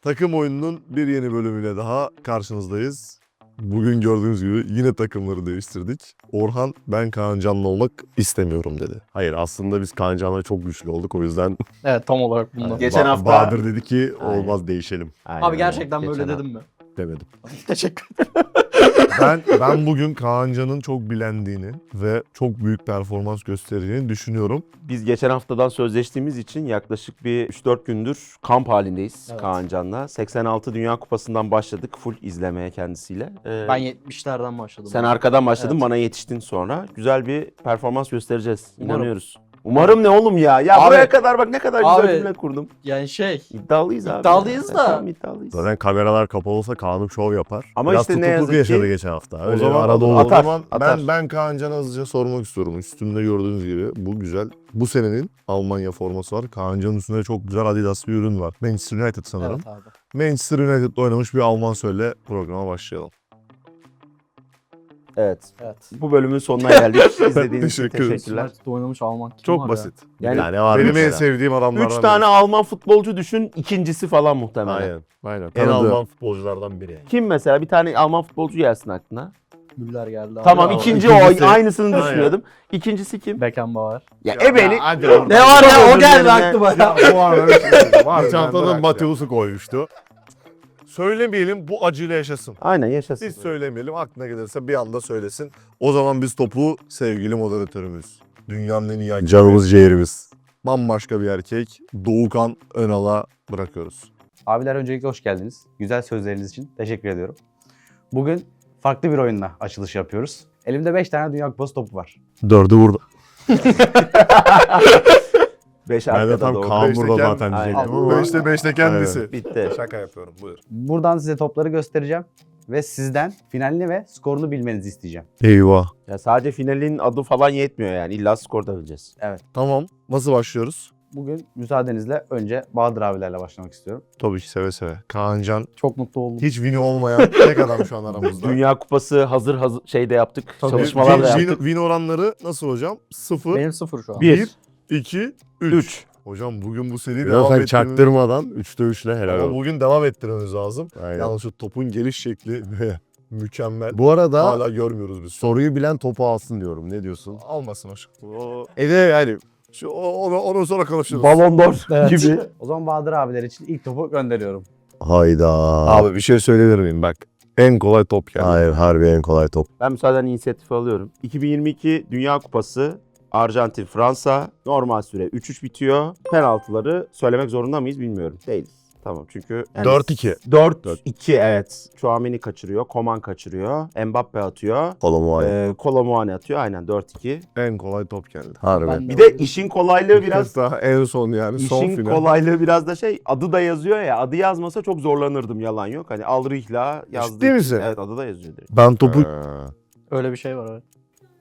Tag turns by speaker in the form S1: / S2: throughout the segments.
S1: Takım oyununun bir yeni bölümüyle daha karşınızdayız. Bugün gördüğünüz gibi yine takımları değiştirdik. Orhan ben Kaan Can'la olmak istemiyorum dedi.
S2: Hayır aslında biz Kaan Can'la çok güçlü olduk o yüzden
S3: Evet tam olarak bundan.
S4: Geçen hafta-
S1: Bahadır dedi ki
S2: Aynen.
S1: olmaz değişelim.
S3: Abi gerçekten böyle
S4: Geçen
S3: dedim mi?
S2: demedim.
S3: Teşekkür
S1: Ben bugün Kaan Can'ın çok bilendiğini ve çok büyük performans gösterdiğini düşünüyorum.
S4: Biz geçen haftadan sözleştiğimiz için yaklaşık bir 3-4 gündür kamp halindeyiz
S3: Evet.
S4: Kaan Can'la. 86 Dünya Kupası'ndan başladık full izlemeye kendisiyle.
S3: Ben 70'lerden başladım.
S4: Sen arkadan başladın,
S3: Evet.
S4: bana yetiştin sonra. Güzel bir performans göstereceğiz.
S3: Umarım.
S4: İnanıyoruz. Umarım ne oğlum ya? Ya
S3: Abi-
S4: buraya kadar bak ne kadar güzel
S3: Abi-
S4: cümle kurdum.
S3: Yani
S4: İddialıyız abi.
S3: İddialıyız
S4: Ya.
S3: da.
S4: Tamam, iddialıyız.
S2: Zaten kameralar kapalı olsa Kaan'ım şov yapar.
S4: Ama
S2: Biraz
S4: işte ne
S2: tutukluk
S4: yazık ki-
S2: yaşadı geçen hafta.
S1: O
S2: Öyle
S1: zaman,
S2: arada
S1: o
S2: olur.
S4: Atar,
S1: zaman
S4: atar.
S1: ben Kaan Can'a hızlıca sormak istiyorum. Üstünde gördüğünüz gibi bu güzel. Bu senenin Almanya forması var. Kaan Can'ın üstünde çok güzel Adidas bir ürün var. Manchester United sanırım.
S3: Evet abi.
S1: Manchester United'da oynamış bir Alman söyle programa başlayalım.
S4: Evet.
S3: Evet.
S4: Bu bölümün sonuna geldik. İzlediğiniz için
S1: Teşekkür ederim.
S4: teşekkürler.
S3: United'da oynamış Alman kim
S1: Çok
S3: var
S1: basit.
S4: Yani
S2: Yani var
S1: Benim en
S2: mesela.
S1: sevdiğim adamlardan
S4: 3 tane Alman futbolcu düşün, ikincisi falan muhtemelen.
S2: Aynen. Aynen. En
S4: Tanıdığı.
S2: Alman futbolculardan biri.
S4: Kim mesela? Bir tane Alman futbolcu gelsin aklına.
S3: ya? Müller geldi abi.
S4: Tamam
S3: Abi.
S4: ikinci
S1: İkincisi-
S4: o aynısını
S1: Aynen.
S4: düşünüyordum. İkincisi kim?
S3: Beckenbauer.
S4: Ya ebeni.
S1: hadi
S3: Ne var ya o geldi aklıma ya.
S1: Ya bu arada bir şey var. Çantadan
S2: bırak
S1: Mateus'u koymuştu. Söylemeyelim bu acıyla yaşasın.
S4: Aynen yaşasın.
S1: Biz söylemeyelim aklına gelirse bir anda söylesin. O zaman biz topu sevgili moderatörümüz. Dünyanın en iyi hakemi,
S2: Canımız ciğerimiz.
S1: bambaşka bir erkek Doğukan Önal'a bırakıyoruz.
S5: Abiler öncelikle hoş geldiniz. Güzel sözleriniz için teşekkür ediyorum. Bugün farklı bir oyunla açılış yapıyoruz. Elimde 5 tane Dünya Kupası topu var.
S2: 4'ü burada.
S4: 5
S2: Ben de
S4: arkada
S2: tam
S4: doğru.
S2: Kaan
S1: Beşte
S2: burada
S1: kend-
S2: zaten
S4: Aynen.
S2: diyecektim ama.
S1: 5'te kendisi.
S4: Bitti.
S1: Şaka yapıyorum buyur.
S5: Buradan size topları göstereceğim ve sizden finalini ve skorunu bilmenizi isteyeceğim.
S2: Eyvah.
S4: Ya sadece finalin adı falan yetmiyor yani. İlla skorda bileceğiz.
S1: Tamam nasıl başlıyoruz?
S5: Bugün müsaadenizle önce Bahadır abilerle başlamak istiyorum.
S1: Tabii ki seve seve. Kaan Can
S3: Çok mutlu oldum.
S1: hiç wini olmayan tek adam şu an aramızda.
S4: Dünya Kupası hazır şeyde yaptık.
S3: Tabii.
S4: Çalışmalar da
S1: Win,
S4: yaptık.
S1: win oranları nasıl hocam? 0,
S3: Benim 0 şu an.
S4: 1.
S1: 2, 3.
S4: 3.
S1: Hocam bugün bu seriyi
S2: Biraz
S1: devam
S2: sen
S1: ettirmemiz...
S2: çaktırmadan 3'te 3'le helal
S1: Ama
S2: olsun.
S1: bugün devam ettirmemiz lazım.
S2: Aynen.
S1: Yalnız şu topun geliş şekli mükemmel.
S2: Bu arada
S1: Hala görmüyoruz biz.
S2: soruyu bilen topu alsın diyorum. Ne diyorsun?
S1: Almasın hocam. O,
S2: Yani
S1: onu sonra konuşuruz.
S4: Ballon d'Or
S3: Evet.
S4: gibi.
S5: O zaman Bahadır abiler için ilk topu gönderiyorum.
S2: hayda.
S1: Abi bir şey söyleyebilir miyim? Bak en kolay top geldi.
S2: Hayır harbi en kolay top.
S4: Ben müsaaden inisiyatifi alıyorum. 2022 Dünya Kupası Arjantin, Fransa. Normal süre 3-3 bitiyor. Penaltıları söylemek zorunda mıyız bilmiyorum. Değiliz. Tamam çünkü...
S1: 4-2.
S4: 4-2 evet. Chouameni kaçırıyor, Coman kaçırıyor, Mbappe atıyor.
S2: Kolomu
S4: Kolo Muani atıyor aynen 4-2.
S1: En kolay top geldi.
S2: Harbi.
S3: Ben
S4: Bir de işin kolaylığı biraz...
S1: daha en son yani son
S4: İşin
S1: final.
S4: kolaylığı biraz da adı da yazıyor ya, adı yazmasa çok zorlanırdım, yalan yok. Hani Alrihla yazdı.
S1: Ciddi misin?
S4: Evet, adı da yazıyor direkt.
S1: Ben topu
S3: Öyle bir şey var evet.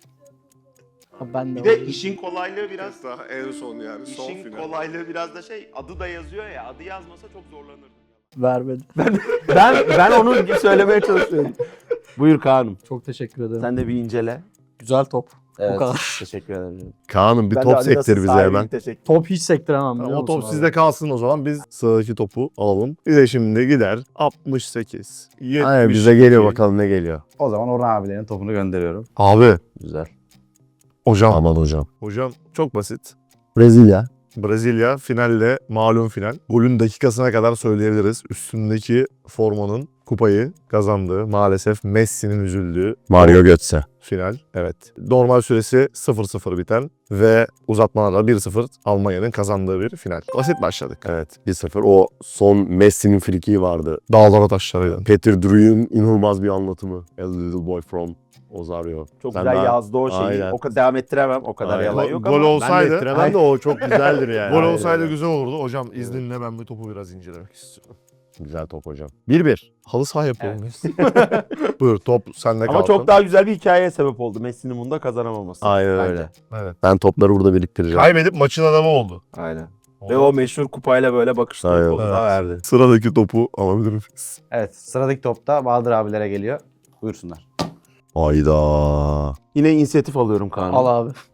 S3: Abi ben de
S4: Bir de işin kolaylığı biraz...
S1: daha en son yani
S4: İşin kolaylığı biraz da adı da yazıyor ya, adı yazmasa çok zorlanırdım.
S3: vermedi.
S4: Ben onu söylemeye çalışıyorum. Buyur Kaan'ım.
S3: Çok teşekkür ederim.
S4: Sen de bir incele.
S3: Güzel top.
S4: Evet,
S3: kadar.
S4: Teşekkür ederim.
S2: Kaan'ım bir
S4: Ben de
S2: top
S4: Adidas'ın
S2: sektir bize
S4: sahibiyim,
S2: hemen.
S4: Teşekkür.
S3: Top hiç sektiremem biliyor
S1: O
S3: musun
S1: top
S3: abi?
S1: sizde kalsın o zaman. Biz sıradaki topu alalım. Bir de şimdi gider 68. 72.
S2: Aynen bize geliyor bakalım ne geliyor.
S5: O zaman Orhan abilerin topunu gönderiyorum.
S1: Abi
S4: Güzel.
S1: hocam.
S2: Aman hocam.
S1: Hocam çok basit.
S2: Brezilya.
S1: Brezilya finalle malum final. Golün dakikasına kadar söyleyebiliriz. Üstündeki formanın kupayı kazandığı maalesef Messi'nin üzüldüğü
S2: Mario Götze.
S1: final. Evet. Normal süresi 0-0 biten ve uzatmalarla 1-0 Almanya'nın kazandığı bir final. Basit başladık.
S2: Evet 1-0. O son Messi'nin frikiği vardı.
S1: Dağlara taşlarıyla.
S2: Peter Drury'un inanılmaz bir anlatımı. A Little Boy from Ozario.
S4: Çok
S2: Sen
S4: güzel
S2: daha-
S4: yazdı o şeyi.
S2: Aynen.
S4: O kadar devam ettiremem. O kadar
S2: Aynen.
S4: yalan
S1: Gol
S4: yok
S1: gol
S4: ama.
S1: olsaydı,
S2: Ben de o çok güzeldir yani.
S1: gol
S2: Aynen.
S1: olsaydı güzel olurdu. Hocam izninle ben bu topu biraz incelemek istiyorum.
S2: Güzel top hocam. 1-1.
S1: Halı saha yapalım biz. Buyur top sende kalsın.
S4: Ama çok daha güzel bir hikayeye sebep oldu. Messi'nin bunda kazanamaması.
S2: Aynen
S4: bence.
S2: öyle.
S1: Evet.
S2: Ben topları burada biriktireceğim.
S1: Kaybedip maçın adamı oldu.
S4: Aynen. Ve o meşhur kupayla böyle bakışları
S2: Aynen.
S4: koluna verdi.
S1: Sıradaki topu alabilir miyiz?
S5: Evet sıradaki top da Bahadır abilere geliyor. Buyursunlar.
S2: Hayda.
S4: Yine inisiyatif alıyorum Kaan'ım.
S3: Al abi.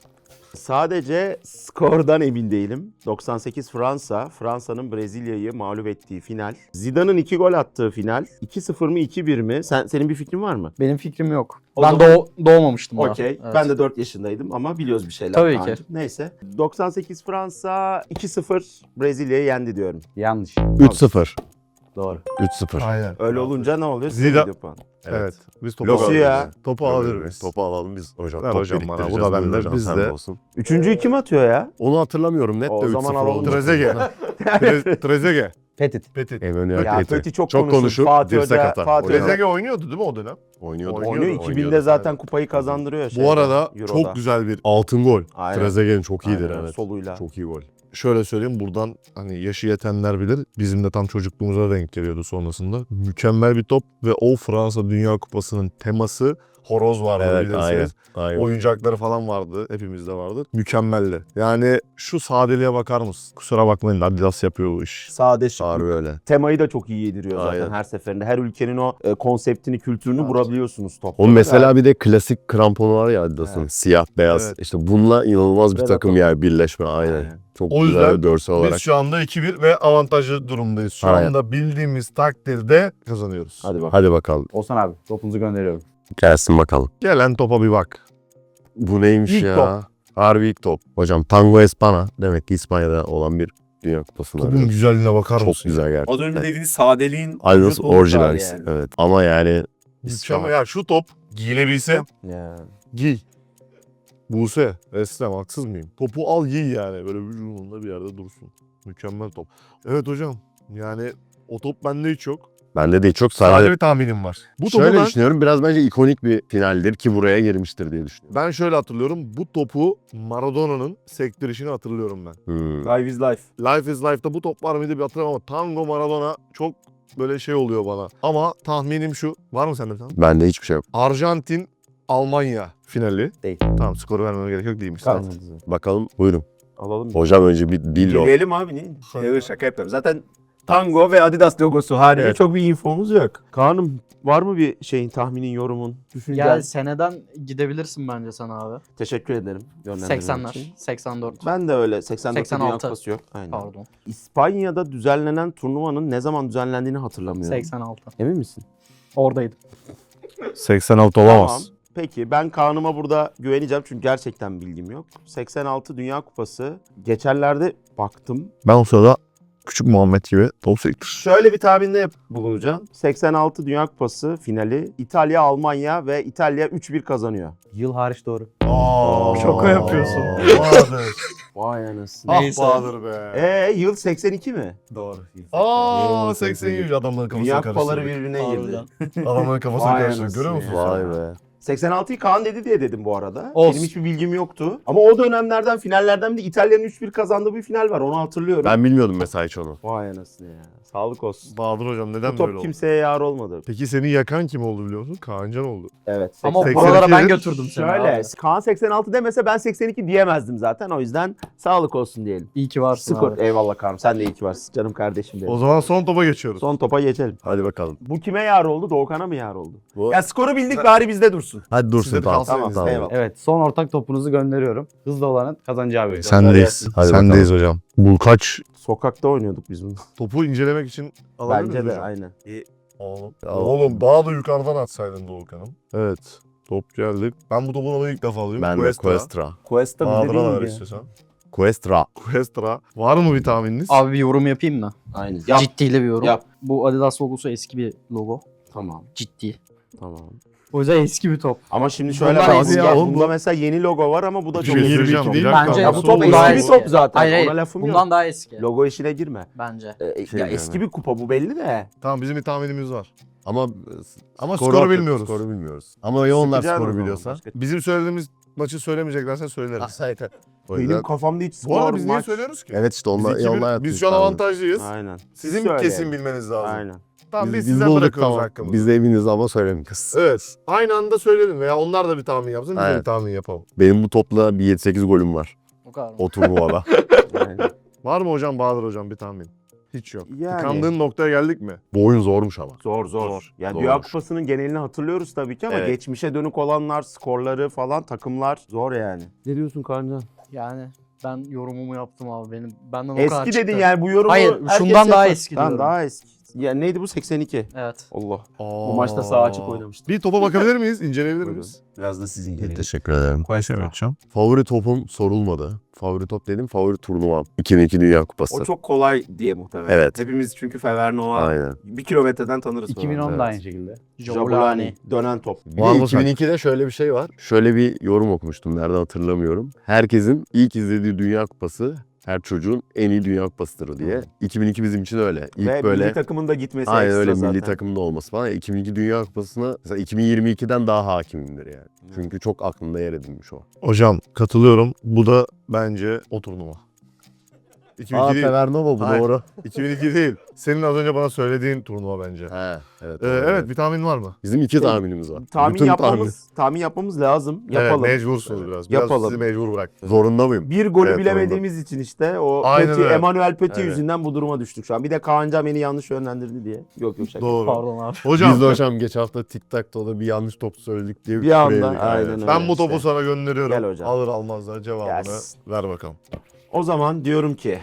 S4: Sadece skordan emin değilim. 98 Fransa, Fransa'nın Brezilya'yı mağlup ettiği final. Zidane'ın 2 gol attığı final. 2-0 mı 2-1 mi? Senin bir fikrin var mı?
S3: Benim fikrim yok.
S4: O
S3: Ben
S4: zaman-
S3: doğmamıştım daha.
S4: Okey.
S3: Evet.
S4: Ben de 4 yaşındaydım ama biliyoruz bir şeyler.
S3: Tabii ki.
S4: Kaan'cığım. Neyse. 98 Fransa 2-0 Brezilya'yı yendi diyorum.
S5: Yanlış.
S2: 3-0.
S5: Doğru.
S2: 3-0.
S1: Aynen.
S4: Öyle olunca ne oluyor?
S1: Zidane-
S4: Video puan.
S1: Evet. Biz topu
S4: Logosu
S1: alabiliriz.
S4: ya.
S1: Topu alabiliriz.
S2: Topu alalım biz. Hocam,
S1: Ver
S2: top
S1: hocam bana, bu da
S2: biriktireceğiz.
S1: bende,
S2: Buyurun hocam,
S1: biz
S2: sende
S1: de.
S2: olsun.
S4: Üçüncüyü kim atıyor ya?
S2: Onu hatırlamıyorum net de
S4: O
S2: 3-0
S4: zaman alalım.
S2: oldu.
S1: Trezeguet. Trezeguet.
S5: Petit.
S1: Petit.
S2: Emmanuel
S4: Ya
S2: Petit.
S4: Petit çok,
S2: Çok konuşur,
S4: Fatih
S2: dirsek
S4: Hoca,
S2: atar.
S4: Fatih Hoca
S1: Trezeguet oynuyordu değil mi o dönem?
S2: Oynuyordu.
S4: oynuyor. 2000'de zaten kupayı kazandırıyor.
S1: Bu arada
S4: Euro'da.
S1: çok güzel bir
S2: Altın gol.
S4: Aynen.
S2: Trezeguet'in çok iyidir
S4: Aynen,
S2: evet.
S4: soluyla.
S2: Çok iyi gol.
S1: şöyle söyleyeyim, buradan hani yaşı yetenler bilir. Bizim de tam çocukluğumuza denk geliyordu sonrasında. Mükemmel bir top ve o Fransa Dünya Kupası'nın teması horoz vardı
S2: Evet
S1: bilirsiniz.
S2: aynen. Aynen.
S1: Oyuncakları falan vardı. Hepimizde vardı. Mükemmeldi. Yani şu sadeliğe bakar mısın? Kusura bakmayın, Adidas yapıyor bu iş.
S4: Sade şık.
S2: Harbi öyle.
S4: Temayı da çok iyi yediriyor zaten
S2: Aynen.
S4: her seferinde. Her ülkenin o konseptini, kültürünü vurabiliyorsunuz topla.
S2: Onun mesela bir de klasik kramponu var ya Adidas'ın.
S4: Evet.
S2: Siyah beyaz.
S1: Evet.
S2: İşte bununla inanılmaz bir
S4: Predator.
S2: takım yani birleşme aynen.
S4: Aynen.
S2: Çok
S1: O
S2: güzel
S1: yüzden
S2: bir görsel olarak.
S1: Biz şu anda 2-1 ve avantajlı durumdayız. Şu
S2: Aynen.
S1: anda bildiğimiz takdirde kazanıyoruz.
S4: Hadi bak.
S2: Hadi bakalım.
S5: Oğuzhan abi topunuzu gönderiyorum.
S2: Gelsin bakalım.
S1: Gelen topa bir bak.
S2: Bu neymiş
S4: İlk
S2: ya?
S4: top.
S2: Harbi ilk top. Hocam Tango Espana demek ki İspanya'da olan bir Dünya Kupası'nda.
S1: Topun güzelliğine bakar
S2: Çok
S1: mısın?
S2: güzel gerçekten.
S6: Az önce dediğiniz sadeliğin
S2: Adidas
S6: vücut oluşu
S2: orijinalisi.
S6: yani.
S2: Evet. Ama yani
S1: Mükemmel. Ya şu top giyilebilse
S4: Ya.
S1: giy. Buse, Eslem haksız mıyım? Topu al giy yani. Böyle vücudunda bir yerde dursun. Mükemmel top. Evet hocam. Yani o top bende hiç yok.
S2: bende değil çok
S1: Sadece
S2: sadece.
S1: bir tahminim var. Bu topu
S2: Şöyle
S1: ben,
S2: düşünüyorum biraz bence ikonik bir finaldir ki buraya girmiştir diye düşünüyorum.
S1: ben şöyle hatırlıyorum. Bu topu Maradona'nın sektirişini hatırlıyorum ben.
S4: Life is life.
S1: Life is Life'da bu top var mıydı bir hatırlamam ama Tango Maradona çok böyle şey oluyor bana. Ama tahminim şu. Var mı sende bir tane?
S2: Bende hiçbir şey yok.
S1: Arjantin Almanya finali.
S5: Değil.
S1: Tamam, skoru vermeme gerek yok, değilmiş.
S4: Kalmadı.
S2: Bakalım buyurun.
S4: Alalım.
S2: Hocam önce bir billo.
S6: Girelim abi ne? Evet, şaka yapıyorum. Zaten Tango ve Adidas logosu harici
S2: Evet.
S6: çok bir infomuz yok.
S4: Kaan'ım var mı bir şeyin, tahminin, yorumun, düşüncen?
S3: Gel seneden gidebilirsin bence sana abi.
S4: Teşekkür ederim. yönlendirdiğin
S3: 80'ler,
S4: için.
S3: 84.
S4: Ben de öyle. 84'te Dünya
S3: 86.
S4: Kupası yok. Aynen.
S3: Pardon.
S4: İspanya'da düzenlenen turnuvanın ne zaman düzenlendiğini hatırlamıyorum.
S3: 86.
S4: Emin misin?
S3: Oradaydım.
S1: 86
S4: Tamam. Peki ben Kaan'ıma burada güveneceğim çünkü gerçekten bilgim yok. 86 Dünya Kupası. Geçenlerde baktım.
S1: Ben o sırada küçük Muhammed gibi top sektir.
S4: Şöyle bir tahminde bulunacağım. 86 Dünya Kupası finali İtalya, Almanya ve İtalya 3-1 kazanıyor.
S5: Yıl hariç doğru.
S3: Şaka yapıyorsun.
S1: Bahadır.
S4: Vay anasını.
S1: Ah
S3: Neyse.
S1: Bahadır be.
S4: Yıl 82 mi?
S5: Doğru.
S1: Aa 80 adamların kafasına
S4: Dünya Kupaları
S1: karıştırdı.
S4: birbirine girdi.
S1: Adamların kafasına
S4: Vay
S1: karıştırdı.
S4: anasını
S1: Görüyor musun?
S4: ya.
S2: Vay be.
S4: 86'yı Kaan dedi diye dedim bu arada.
S3: Olsun.
S4: Benim hiçbir bilgim yoktu. Ama o dönemlerden, finallerden bir de İtalya'nın 3-1 kazandığı bir final var. Onu hatırlıyorum.
S2: Ben bilmiyordum mesela hiç onu.
S4: Vay anasını ya. Sağlık olsun.
S1: Bahadır hocam neden
S4: Bu
S1: böyle
S4: top
S1: oldu?
S4: kimseye yar olmadı.
S1: Peki seni yakan kim oldu biliyor musun? Kaancan oldu.
S4: Evet.
S3: Ama
S1: 82
S3: buralara ben
S1: yıl-
S3: götürdüm seni
S4: Şöyle,
S3: abi.
S4: Kaan 86 demese ben 82 diyemezdim zaten. O yüzden sağlık olsun diyelim.
S3: İyi ki varsın
S4: Skor.
S3: abi.
S4: Eyvallah Kaan'ım. Sen de iyi ki varsın. Canım kardeşim benim.
S1: O zaman son topa geçiyoruz.
S4: Son topa geçelim.
S2: Hadi bakalım.
S4: Bu kime yar oldu? Doğukan'a mı yar oldu?
S6: Ya skoru bildik bari bizde dursun.
S2: Hadi dursun
S1: Size de
S2: tamam.
S1: kalsın.
S4: Tamam, eyvallah.
S5: Evet son ortak topunuzu gönderiyorum. Hızlı olanın kazanacağı bir.
S1: Sendeyiz.
S2: Hadi
S1: Sendeyiz hocam. Bu kaç
S4: Sokakta oynuyorduk biz bunu.
S1: topu incelemek için alabilir
S4: Bence
S1: miyiz
S4: de
S1: hocam?
S4: aynen.
S1: Oğlum.
S2: Ya
S1: Oğlum daha da yukarıdan atsaydın Doğukan'ım. Evet. Top geldi. Ben bu topun alayı ilk defa alayım.
S2: Ben de Questra.
S6: Questa bizde
S1: Bahadır'a da ver
S6: değil ya.
S1: istiyorsan.
S2: Questra.
S1: Questra. Var mı bir tahmininiz?
S3: Abi bir yorum yapayım mı?
S4: Aynen. Yap.
S3: Ciddiyle bir yorum.
S4: Yap.
S3: Bu Adidas logosu eski bir logo.
S4: Tamam.
S3: Ciddi.
S4: Tamam.
S3: O yüzden eski bir top.
S4: Ama şimdi şöyle
S3: Bunlar
S4: bak.
S3: eski
S1: ya, oğlum
S4: Bunda
S1: bu-
S4: mesela yeni logo var ama bu da
S1: Bir
S4: çok
S1: şey
S4: eski bir
S1: söyleyeceğim,
S4: top.
S1: bir dakika.
S3: Bence
S1: Ya
S3: bu
S1: bu
S3: top
S1: top
S3: daha
S4: eski bir
S3: eski.
S4: top zaten.
S3: Hayır,
S4: Ona lafım
S3: bundan
S4: yok.
S3: daha eski.
S4: Logo işine girme.
S3: Bence.
S2: Şey
S4: Ya
S2: yani.
S4: eski bir kupa bu belli de.
S1: Tamam, bizim bir tahminimiz var.
S2: Ama
S1: Ama skoru
S2: attık,
S1: bilmiyoruz.
S2: Skoru bilmiyoruz. Ama ya onlar
S4: Sıkacaksın o
S2: skoru
S4: zaman,
S2: biliyorsa.
S4: başka-
S1: Bizim söylediğimiz maçı söylemeyeceklerse söyleriz.
S2: O yüzden-
S4: Benim kafamda hiç
S1: Bu arada
S4: skor,
S1: biz niye
S4: maç.
S1: söylüyoruz ki?
S2: Evet işte
S1: Biz,
S2: onlar,
S1: 2-1,
S2: onlar
S1: biz şu an avantajlıyız.
S4: Aynen.
S1: Sizin
S4: Söyleyelim.
S1: kesin bilmeniz lazım.
S4: Aynen.
S1: Tamam, biz
S2: Biz
S1: sizden
S2: bulduk
S1: bırakıyoruz
S2: tamam.
S1: hakkımızı.
S2: Biz de eminiz ama söylemeyeceğiz.
S1: Evet. Aynı anda söyleyelim veya onlar da bir tahmin yapsın, biz de
S2: Aynen.
S1: bir tahmin yapalım.
S2: Benim bu topla bir 7-8 golüm var.
S3: O kadar mı?
S2: O turnuvada.
S4: Aynen.
S1: Var mı hocam, Bahadır hocam bir tahmin? Hiç yok.
S4: Yani.
S1: Tıkandığın noktaya geldik mi?
S2: Bu oyun zormuş ama.
S4: Zor. Yani
S2: Zor.
S4: Dünya Kupası'nın genelini hatırlıyoruz tabii ki ama
S2: Evet.
S4: geçmişe dönük olanlar, skorları falan, takımlar zor yani. Ne diyorsun Kaancan?
S3: Yani ben yorumumu yaptım abi. Benden o kadar
S4: Eski
S3: çıktı.
S4: dedin yani bu yorumu.
S3: Hayır,
S4: herkes
S3: şundan daha
S4: yapar.
S3: eski
S4: Tamam
S3: diyorum.
S4: daha eski. Ya neydi bu 82?
S3: Evet.
S4: Allah. Bu maçta sağ açık oynamıştı.
S1: Bir topa bakabilir miyiz? İnceleyebilir
S4: Buyurun.
S1: miyiz?
S6: Biraz da sizin gelin.
S2: Teşekkür ederim.
S1: Evet hocam.
S2: Favori topum sorulmadı. Favori top dedim, favori turnuvam. 2002 Dünya Kupası.
S6: O çok kolay diye muhtemelen.
S2: Evet.
S6: Hepimiz çünkü Fevernova
S2: Aynen.
S6: 1 kilometreden tanırız.
S5: 2010
S2: Evet.
S5: da aynı şekilde.
S4: Jabulani. Dönen top.
S2: Bir
S1: Var
S2: de
S1: mı
S2: 2002'de şöyle bir şey var. Şöyle bir yorum okumuştum. Nerede hatırlamıyorum. Herkesin ilk izlediği Dünya Kupası her çocuğun en iyi Dünya Kupasıdır diye. 2002 bizim için öyle. İlk
S6: Ve
S2: böyle
S6: milli takımın da gitmesi
S2: aynen
S6: ekstra
S2: öyle
S6: zaten.
S2: milli takımda olması falan. 2002 Dünya Kupası'na mesela 2022'den daha hakimimdir yani. Çünkü çok aklımda yer edinmiş o.
S1: Hocam katılıyorum. Bu da bence o turnuva. 2002 değil.
S2: Fevernova bu
S1: Hayır.
S2: doğru.
S1: 2002 değil. Senin az önce bana söylediğin turnuva bence.
S2: He, evet.
S1: Evet bir tahmin var mı?
S2: Bizim iki tahminimiz var.
S4: Tahmin
S2: Bütün
S4: yapmamız lazım. Yapalım.
S1: Evet mecbursunuz biraz. Biraz
S4: Yapalım.
S1: sizi mecbur bıraktım.
S2: Zorunda mıyım?
S4: Bir golü
S2: Evet,
S4: bilemediğimiz için işte o
S1: Aynen
S4: Petit,
S1: öyle.
S4: Emmanuel Petit
S1: Evet.
S4: yüzünden bu duruma düştük şu an. Bir de Kaan Can beni yanlış yönlendirdi diye. Yok şaka.
S1: Doğru.
S3: Pardon abi.
S1: Hocam
S2: Biz de hocam geçen hafta TikTok'ta bir yanlış top söyledik diye
S4: Bir anda,
S2: küfür yedik.
S4: aynen
S2: Evet.
S4: öyle.
S1: ben bu topu
S4: işte.
S1: sana gönderiyorum.
S4: Gel hocam.
S1: Alır almaz da cevabını
S4: Gelsin.
S1: ver bakalım.
S4: O zaman diyorum ki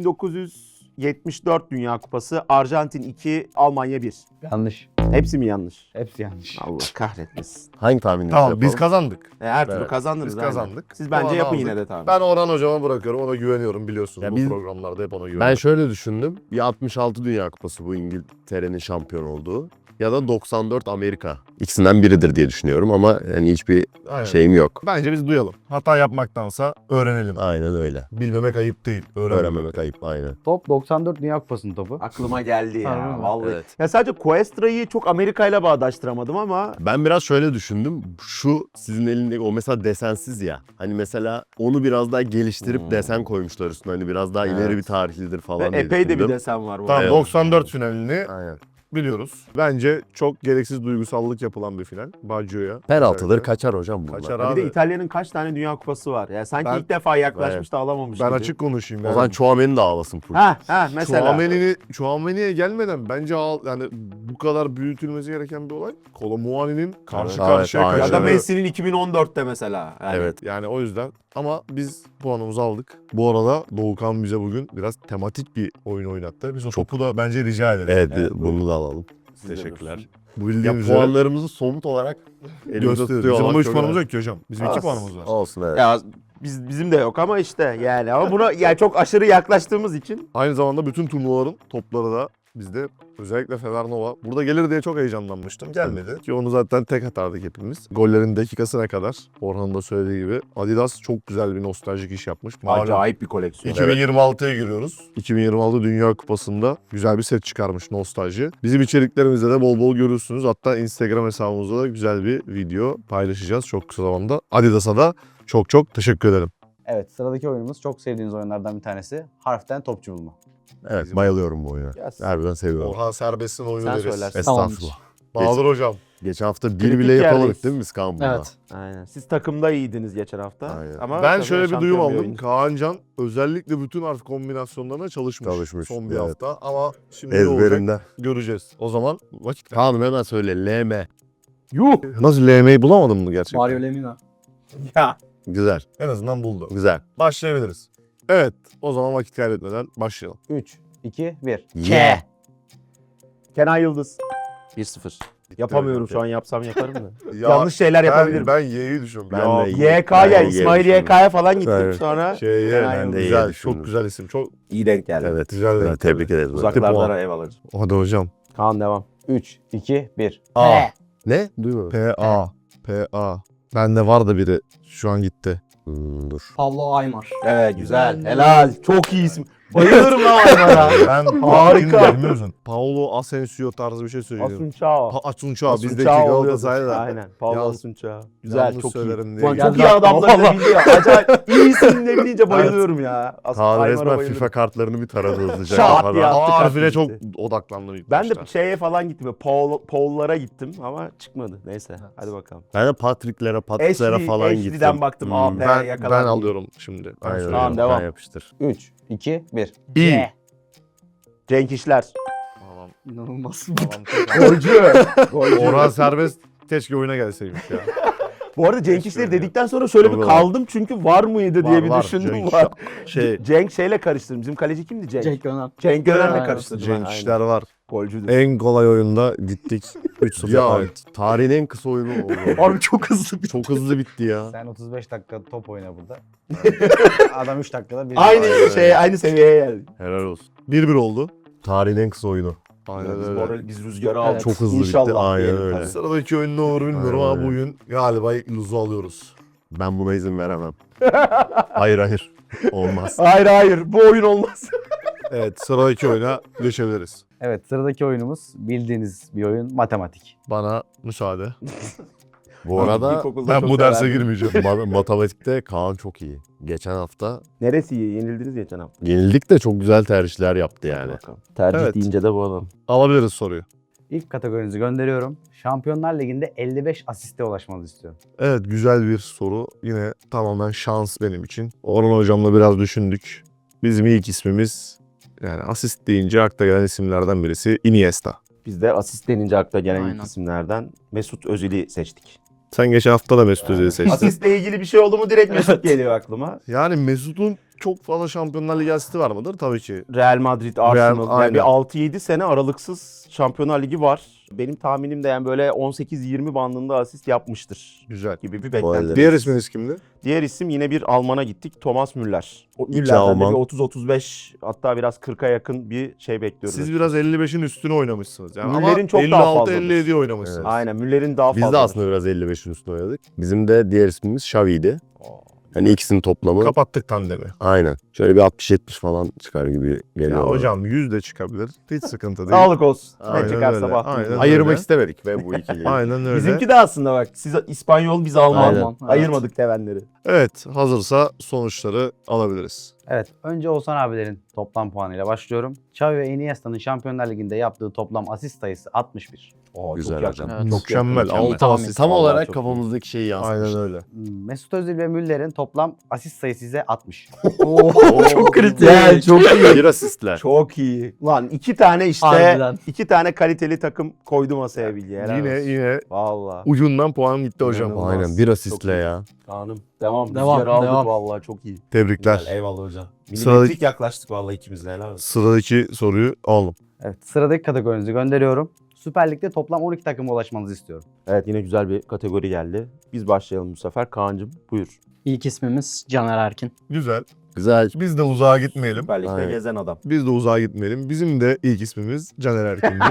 S4: 1974 Dünya Kupası Arjantin 2 Almanya 1.
S5: Yanlış.
S4: Hepsi mi yanlış?
S5: Hepsi yanlış.
S4: Allah kahretmesin.
S2: Hangi tahmininizi
S1: Tamam
S2: yapalım?
S1: biz kazandık.
S4: Her türlü
S2: Evet.
S4: kazandınız.
S1: Biz
S4: aynen.
S1: kazandık.
S4: Siz bence
S1: Puan
S4: yapın
S1: aldık.
S4: yine de tabii.
S1: Ben Orhan hocama bırakıyorum. Ona güveniyorum biliyorsunuz.
S2: Ya
S1: Bu
S2: biz-
S1: programlarda hep ona güveniyorum.
S2: Ben şöyle düşündüm. Bir 66 Dünya Kupası bu İngiltere'nin şampiyon olduğu. Ya da 94 Amerika. İkisinden biridir diye düşünüyorum ama yani hiçbir
S1: Aynen.
S2: şeyim yok.
S1: Bence biz duyalım. Hata yapmaktansa öğrenelim.
S2: Aynen öyle.
S1: Bilmemek ayıp değil.
S2: Öğrenmemek ayıp aynen.
S5: Top 94 Dünya Kupası'nın topu.
S4: Aklıma geldi
S3: Harbi
S4: ya
S3: mi?
S4: vallahi.
S2: Evet.
S4: Ya sadece Cuestra'yı çok Amerika ile bağdaştıramadım ama
S2: Ben biraz şöyle düşündüm. Şu sizin elindeki o mesela desensiz ya. Hani mesela onu biraz daha geliştirip desen koymuşlar üstüne. Hani biraz daha ileri
S4: Evet.
S2: bir tarihlidir
S4: ve
S2: falan diye
S4: epey de bir
S2: düşündüm.
S4: desen var bu.
S1: Tamam
S2: Evet.
S1: 94 finalini
S2: Aynen.
S1: biliyoruz. Bence çok gereksiz duygusallık yapılan bir final. Baggio'ya.
S2: Penaltıdır
S1: Özellikle.
S2: kaçar hocam bunlar.
S1: Kaçar
S4: Bir
S1: abi.
S4: de İtalya'nın kaç tane Dünya Kupası var? Ya sanki
S1: Ben-
S4: ilk defa yaklaşmış da alamamış
S1: Ben
S4: gibi.
S1: açık konuşayım.
S2: O
S1: Yani.
S2: zaman Chouameni de ağlasın full.
S4: Ha mesela.
S1: Chouameni'ye gelmeden bence yani bu kadar büyütülmesi gereken bir olay. Kolomuani'nin karşı
S2: Evet,
S1: karşıya
S2: aynen.
S4: Ya da
S1: kaçırdığı.
S4: Messi'nin 2014'te mesela. Yani.
S2: Evet.
S1: Yani o yüzden ama biz puanımızı aldık. Bu arada Doğukan bize bugün biraz tematik bir oyun oynattı. Biz o topu da bence rica ederiz.
S2: Evet,
S4: Evet,
S2: bunu da alalım.
S4: Siz de
S2: Teşekkürler.
S1: Bu
S2: Ya
S1: bildiğiniz üzere
S2: puanlarımızı somut olarak elimizde
S1: gösteriyoruz.
S2: tutuyor
S1: Bizim ama
S2: olmak
S1: 3
S2: çok
S1: puanımız
S2: önemli.
S1: yok ki hocam. Bizim 2
S4: Olsun.
S1: puanımız var.
S2: Olsun evet.
S4: Ya bizim de yok ama işte yani ama buna yani çok aşırı yaklaştığımız için
S1: Aynı zamanda bütün turnuvaların topları da bizde özellikle Fevernova burada gelir diye çok heyecanlanmıştım. Gelmedi. Ki onu zaten tek atardık hepimiz. Gollerin dakikasına kadar Orhan'ın da söylediği gibi Adidas çok güzel bir nostaljik iş yapmış. Malum
S4: acayip bir koleksiyon.
S1: 2026'ya giriyoruz. 2026 Dünya Kupası'nda güzel bir set çıkarmış nostalji. Bizim içeriklerimizde de bol bol görürsünüz. Hatta Instagram hesabımızda da güzel bir video paylaşacağız çok kısa zamanda. Adidas'a da çok çok teşekkür ederim.
S5: Evet sıradaki oyunumuz çok sevdiğiniz oyunlardan bir tanesi. Harften topçu bulma.
S2: Evet bayılıyorum bu oyuna.
S4: Yes.
S2: Harbiden seviyorum.
S1: Orhan Serbest'in oyunu
S4: Sen
S1: deriz.
S4: söylersin.
S2: Estağfurullah.
S1: Bahadır hocam.
S2: Geçen hafta bir
S4: Kritik
S2: bile yapamadık
S4: yerdeyiz.
S2: değil mi biz Kaan bunda?
S3: Evet.
S4: Aynen. Siz takımda iyiydiniz geçen hafta.
S2: Aynen.
S4: Ama
S1: Ben
S4: tabii
S1: şöyle bir
S4: şampiyon
S1: duyum aldım.
S4: oyuncu.
S1: Kaancan özellikle bütün harf kombinasyonlarına çalışmış. Son bir
S2: evet.
S1: hafta ama şimdi ne olacak
S2: Ezberimde.
S1: göreceğiz. O zaman vakit
S2: Kaan'ım hemen söyle. LM.
S4: Yuh!
S1: Nasıl LM'yi bulamadın mı gerçekten?
S3: Mario Lemina.
S4: Ya.
S2: Güzel.
S1: En azından buldu.
S2: Güzel.
S1: Başlayabiliriz. Evet o zaman vakit kaybetmeden başlayalım.
S5: 3, 2, 1.
S2: Ye.
S4: Kenan Yıldız. 1-0. Yapamıyorum şu an yapsam yaparım da.
S1: Ya,
S4: Yanlış şeyler yapabilirim.
S1: Ben Y'yi düşünüyorum.
S2: Ben
S1: Ya,
S2: de
S4: YK'ya,
S2: Ben
S4: İsmail
S2: yerim
S4: YK'ya falan gittim
S2: Evet.
S4: sonra.
S1: Şeye,
S4: Kenan
S2: ben de
S1: güzel,
S2: Y'yi düşündüm.
S1: çok güzel isim. Çok
S4: İyi denk geldi.
S2: Evet.
S1: güzel.
S2: Evet,
S1: denk
S2: tebrik
S1: geldi.
S2: ederiz.
S4: Uzaklardan ev alacağım.
S1: Hadi hocam.
S4: Kaan devam.
S5: 3, 2, 1.
S1: A.
S2: Ne? Duymadım.
S1: P-A. P-A. Bende var da biri. Şu an gitti.
S2: Dur.
S3: Pablo Aymar.
S4: Evet güzel. Helal. Çok iyi isim. Bayılırım lan onlara.
S1: Ben
S4: Harika.
S1: bilmiyorsun. Paulo Asensio tarzı bir şey söylüyorum.
S4: Asunçao.
S1: Asunçao. Bizdeki
S4: Asunçao
S1: Galatasaray'da.
S4: oluyordu. Aynen. Paulo
S1: Yalnız-
S4: Asunçao. Güzel
S1: Yalnız
S4: çok iyi.
S1: söylerim
S4: Ulan
S1: diye.
S4: çok iyi
S3: Geldi
S4: adamları da
S3: aklıma.
S4: biliyor. Acayip iyi isimle bilince bayılıyorum ya.
S2: Kaan
S4: Aymar'a
S2: resmen
S4: bayılıyorum.
S2: FIFA kartlarını bir taradı hızlıca.
S4: Şat
S2: kafadan.
S4: ya.
S1: A
S4: Attı
S1: harfine çok
S4: gitti.
S1: odaklandım ilk
S4: Ben de
S1: başta.
S4: şeye falan gittim. Böyle Paul'lara gittim ama çıkmadı. Neyse hadi bakalım.
S2: Ben de Patrick'lere, Patrick'lere falan gittim.
S4: Ashley'den baktım.
S2: Hmm.
S4: AP
S1: Ben
S4: yakalandım.
S1: alıyorum şimdi. Ben
S2: Aynen
S1: söylüyorum.
S2: öyle.
S4: devam.
S2: Ben yapıştır.
S5: 3, 2, 1.
S1: İyi.
S4: Cenk İşler.
S1: Tamam.
S3: İnanılmaz.
S1: Tamam.
S4: Golcü. Golcü.
S1: Orhan Serbest keşke oyuna gelseymiş ya.
S4: Bu arada Cenk İşleri dedikten sonra şöyle bir
S1: Doğru.
S4: kaldım çünkü var mıydı diye bir düşündüm.
S1: Cenk
S4: Var.
S1: Şey,
S4: Cenk şeyle karıştırdım. Bizim kaleci kimdi Cenk?
S3: Cenk Öner.
S4: Cenk Öner'le
S3: Aynen.
S4: karıştırdım.
S1: Cenk
S4: Aynen.
S1: İşler var.
S4: Golcüdür.
S1: En kolay oyunda gittik 3-0.
S2: Ya
S1: Evet.
S2: tarihin en kısa oyunu oldu.
S3: Abi çok hızlı bir
S2: Çok hızlı bitti ya.
S5: Sen 35 dakika top oyna burada. Adam 3 dakikada bir
S4: Aynı seviyeye geldik.
S2: Helal olsun.
S1: 1-1 oldu.
S2: Tarihin en kısa oyunu.
S1: Aynen
S4: Biz,
S1: öyle.
S4: biz rüzgarı aldık.
S2: Çok hızlı bitti.
S4: İnşallah
S2: Aynen
S4: diyelim
S2: öyle.
S4: tabii.
S1: Sıradaki oyun ne olur bilmiyorum
S2: Aynen
S1: ama
S2: öyle.
S1: bugün galiba ilk luzu alıyoruz.
S2: Ben buna izin veremem. Hayır. Olmaz.
S4: Hayır bu oyun olmaz.
S1: Evet, sıradaki oyuna geçebiliriz.
S5: Evet, sıradaki oyunumuz bildiğiniz bir oyun, matematik.
S1: Bana müsaade.
S2: Bu arada
S4: İlkokulda
S1: Ben
S4: çok
S1: bu derse
S4: severdim.
S1: girmeyeceğim.
S2: matematikte Kaan çok iyi. Geçen hafta
S4: Neresi iyi? Yenildiniz geçen hafta.
S2: yenildik de çok güzel tercihler yaptı yani.
S4: Bakalım. Tercih
S1: Evet.
S4: deyince de bu adam.
S1: Alabiliriz soruyu.
S5: İlk kategorinizi gönderiyorum. Şampiyonlar Ligi'nde 55 asiste ulaşmanızı istiyorum.
S1: Evet, güzel bir soru. Yine tamamen şans benim için. Orhan hocamla biraz düşündük. Bizim ilk ismimiz, yani asist deyince akla gelen isimlerden birisi Iniesta.
S4: Biz de asist denince akla gelen
S3: Aynen.
S4: ilk isimlerden Mesut Özil'i seçtik.
S1: Sen geçen hafta da Mesut Özil'i seçtin.
S4: Asistle ilgili bir şey oldu mu direkt Mesut geliyor aklıma.
S1: Yani Mesut'un çok fazla Şampiyonlar Ligi asisti var mıdır? Tabii ki.
S4: Real Madrid, Arsenal.
S1: aynen.
S4: Yani bir 6-7 sene aralıksız Şampiyonlar Ligi var. Benim tahminim de yani böyle 18-20 bandında asist yapmıştır
S1: Güzel.
S4: gibi bir
S2: Bu
S4: beklenti.
S2: elde.
S1: Diğer isminiz kimdi?
S4: Diğer isim yine bir Alman'a gittik. Thomas Müller. O
S2: İki
S4: Müller'den de
S2: Alman.
S4: bir 30-35 hatta biraz 40'a yakın bir şey bekliyoruz.
S1: Siz biraz 55'in üstüne oynamışsınız. Yani
S4: Müller'in
S1: ama
S4: çok daha fazladır.
S1: 56-57 oynamışsınız.
S4: Aynen Müller'in daha
S2: Biz
S4: fazla.
S2: de aslında biraz 55'in üstüne oynadık. Bizim de diğer ismimiz Xavi'ydi. Hani ikisinin toplamı.
S1: Kapattık tandemi.
S2: Aynen. Şöyle bir 60-70 falan çıkar gibi geliyor.
S1: Ya
S2: bana.
S1: hocam 100 de çıkabilir. Hiç sıkıntı değil.
S4: Sağlık olsun.
S1: Aynen
S4: Ne çıkarsa
S1: öyle,
S4: bahtımıza.
S1: aynen
S2: Ayırmak
S1: öyle.
S2: istemedik ve bu ikiliyi.
S1: Aynen öyle.
S4: Bizimki de aslında bak siz İspanyol biz Alman.
S2: Aynen.
S3: Evet.
S4: Ayırmadık tevenleri.
S1: Evet, hazırsa sonuçları alabiliriz.
S5: Evet, önce Oğuzhan abilerin toplam puanıyla başlıyorum. Xavi ve Iniesta'nın Şampiyonlar Ligi'nde yaptığı toplam asist sayısı 61.
S2: Güzel
S4: çok
S2: hocam.
S3: Evet.
S1: Mükemmel.
S2: Tam,
S1: 6 asist.
S2: tam
S4: Vallahi
S2: olarak
S4: çok
S2: kafamızdaki şeyi yansıtmış.
S1: Aynen öyle.
S5: Mesut Özil ve Müller'in toplam asist sayısı ise 60.
S3: çok kritik.
S4: Yani çok iyi.
S2: Bir asistler.
S4: Çok iyi. Lan iki tane işte
S3: Harbiden.
S4: iki tane kaliteli takım koydu masaya bilgi.
S1: Yine
S4: Valla.
S1: ucundan puan gitti hocam.
S4: İnanılmaz.
S2: Aynen bir
S4: Çok
S2: asistle
S4: iyi.
S2: ya.
S4: Kanım. Devam.
S3: Devam,
S4: Rüzgarı aldık
S3: devam.
S4: valla çok iyi.
S1: Tebrikler.
S4: Güzel, eyvallah hocam.
S1: Sıradaki-
S4: Milimetrik yaklaştık valla ikimiz de helal olsun.
S1: Sıradaki soruyu alalım.
S5: Evet, sıradaki kategorinizi gönderiyorum. Süper Lig'de toplam 12 takıma ulaşmanızı istiyorum.
S4: Evet yine güzel bir kategori geldi. Biz başlayalım bu sefer. Kaan'cığım buyur.
S3: İlk ismimiz Caner Erkin.
S1: Güzel.
S2: Güzel.
S1: Biz de uzağa gitmeyelim.
S4: Süper Lig'de
S2: Aynen.
S4: gezen adam.
S1: Biz de uzağa gitmeyelim. Bizim de ilk ismimiz Caner Erkin'di.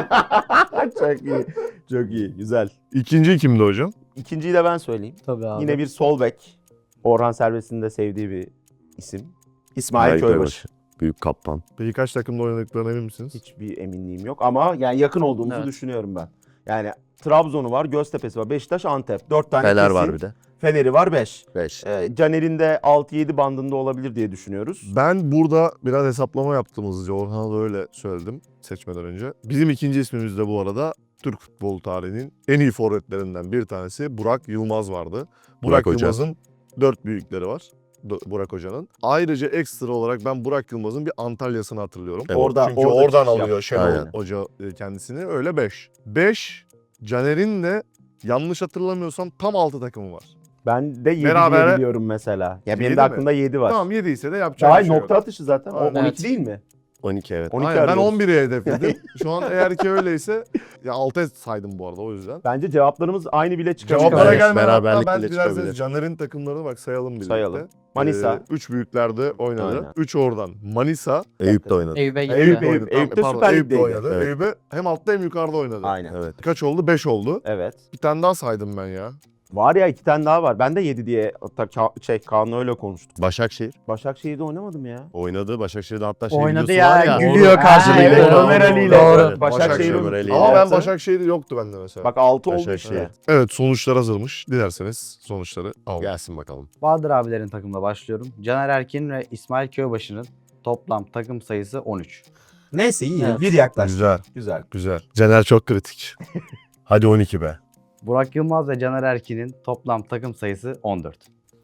S4: Çok iyi. Çok iyi. Güzel.
S1: İkinci kimdi hocam?
S4: İkinciyi de ben söyleyeyim.
S3: Tabii abi.
S4: Yine bir sol bek. Orhan Servet'in de sevdiği bir isim. İsmail Köybaşı.
S2: Büyük kaptan.
S1: Peki kaç takımda oynadıklarına emin misiniz?
S4: Hiçbir eminliğim yok ama yani yakın olduğumuzu
S3: Evet.
S4: düşünüyorum ben. Yani Trabzon'u var, Göztepe'si var, Beşiktaş, Antep. 4 tane
S2: Fener
S4: kesin.
S2: var bir de.
S4: Fener'i var 5.
S2: 5.
S4: Caner'in de 6-7 bandında olabilir diye düşünüyoruz.
S1: Ben burada biraz hesaplama yaptım hızlıca. Orhan'a da öyle söyledim seçmeden önce. Bizim ikinci ismimiz de bu arada Türk futbol tarihinin en iyi forvetlerinden bir tanesi Burak Yılmaz vardı. Burak
S2: Hoca.
S1: Yılmaz'ın 4 büyükleri var. Burak Hoca'nın. Ayrıca ekstra olarak ben Burak Yılmaz'ın bir Antalya'sını hatırlıyorum.
S2: Evet.
S1: Çünkü
S4: orada
S1: oradan
S4: çıkış
S1: alıyor
S4: yaptı.
S1: Şenol
S2: Aynen.
S1: Hoca kendisini. Öyle 5. 5 Caner'in de yanlış hatırlamıyorsam tam 6 takımı var.
S4: Ben de 7
S1: Berabere-
S4: diye biliyorum mesela. Ya benim
S1: Yedi
S4: de
S1: mi?
S4: aklımda 7 var.
S1: Tamam 7 ise de yapacak bir
S4: Ay
S1: şey
S4: nokta
S1: yok.
S4: atışı zaten. O
S1: Aynen.
S4: 12
S3: Evet.
S4: değil mi?
S2: 12 evet.
S4: 12
S1: Aynen, ben
S4: arıyoruz.
S1: 11'e hedefledim. Şu an eğer ki öyleyse ya 6'ya saydım bu arada o yüzden.
S4: Bence cevaplarımız aynı bile çıkabilir.
S1: Cevaplara
S2: Evet,
S1: gelmeden hatta
S2: beraberlik
S1: ben
S2: bile
S1: biraz
S2: çıkabilir.
S1: Caner'in takımlarını bak sayalım birlikte.
S4: Sayalım. Manisa.
S1: 3 büyüklerde oynadı.
S4: Aynen.
S1: 3 oradan. Manisa.
S2: Eyüp de oynadı.
S3: Eyüp'e gitti.
S4: Eyüp,
S1: oynadı.
S4: Eyüp'te
S1: Pardon,
S4: Süper
S1: Eyüp'te
S4: Lig'deydi.
S1: oynadı.
S2: Evet.
S1: Eyüp'e hem altta hem yukarıda oynadı.
S4: Aynen.
S2: Evet.
S1: Kaç oldu? 5 oldu.
S4: Evet.
S1: Bir tane daha saydım ben ya.
S4: Var ya 2 tane daha var. Ben de 7 diye hatta Kaan'la öyle konuştuk.
S2: Başakşehir
S4: Başakşehir'de oynamadım ya.
S2: oynadı. Başakşehir'de hatta
S3: Oynadı
S2: videosu
S3: ya,
S2: var ya.
S3: gülüyor karşılığında.
S4: evet,
S2: Doğru,
S4: Ömer Ali ile.
S3: doğru.
S4: Başakşehir'in
S2: Ömer Ali ile.
S1: Ama ben
S4: yaptı.
S1: Başakşehir'de yoktu bende mesela.
S4: Bak 6 oldu
S2: Başakşehir.
S4: işte.
S1: Evet sonuçlar hazırmış. Dilerseniz sonuçları alalım.
S2: Gelsin bakalım.
S5: Bahadır abilerin takımla başlıyorum. Caner Erkin ve İsmail Köybaşı'nın toplam takım sayısı 13.
S4: Neyse iyi.
S3: Evet.
S4: Bir yaklaş.
S1: Güzel.
S4: Güzel.
S1: Güzel. Caner çok kritik.
S2: Hadi 12 be.
S5: Burak Yılmaz ve Caner Erkin'in toplam takım sayısı 14.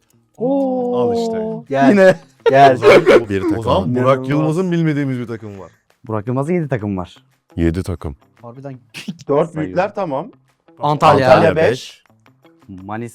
S1: Al işte.
S4: Gel. Yine. Gel.
S2: Bir
S1: O
S2: takım.
S1: zaman Burak
S4: İnanılmaz.
S1: Yılmaz'ın bilmediğimiz bir takım var.
S5: Burak Yılmaz'ın 7 takım var.
S2: 7 takım.
S3: Harbiden.
S4: 4 büyükler tamam.
S3: Antalya.
S4: Antalya 5.
S5: Manisa,